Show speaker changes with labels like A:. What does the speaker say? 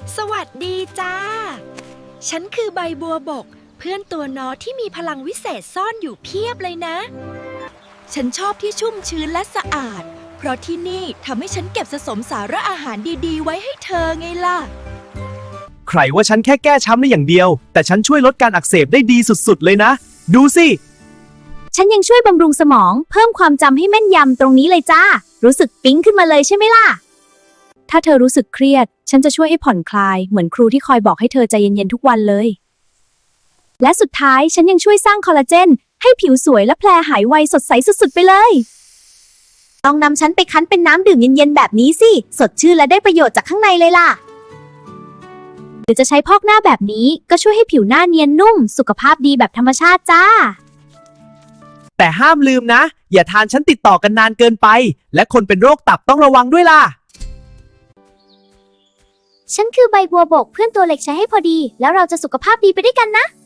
A: สวัสดีจ้า ฉันคือใบบัวบกเพื่อนตัวน้อยที่มีพลังวิเศษซ่อนอยู่เพียบเลยนะ ฉันชอบที่ชุ่มชื้นและสะอาด เพราะที่นี่ทำให้ฉันเก็บสะสมสาระอาหารดีๆไว้ให้เธอไงล่ะ
B: ใครว่าฉันแค่แก้ช้ำได้อย่างเดียว แต่ฉันช่วยลดการอักเสบได้ดีสุดๆเลยนะ ดูสิ
C: ฉันยังช่วยบำรุงสมองเพิ่มความจำให้แม่นยำตรงนี้เลยจ้า รู้สึกปิ๊งขึ้นมาเลยใช่ไหมล่ะ ถ้าเธอรู้สึกเครียด ฉันจะช่วยให้ผ่อนคลายเหมือนครูที่คอยบอกให้เธอใจเย็นๆทุกวันเลย และสุดท้ายฉันยังช่วยสร้างคอลลาเจนให้ผิวสวยและแผลหายไวสดใสสุดๆไปเลยลองนำฉันไปคั้นเป็นน้ำดื่มเย็นๆแบบนี้สิสดชื่นและได้ประโยชน์จากข้างในเลยล่ะหรือจะใช้พอกหน้าแบบนี้ก็ช่วยให้ผิวหน้าเนียนนุ่มสุขภาพดีแบบธรรมชาติจ้า
B: แต่ห้ามลืมนะ อย่าทานฉันติดต่อกันนานเกินไป และคนเป็นโรคตับต้องระวังด้วยล่ะ
C: ฉันคือใบบัวบกเพื่อนตัวเล็กใช้ให้พอดี แล้วเราจะสุขภาพดีไปด้วยกันนะ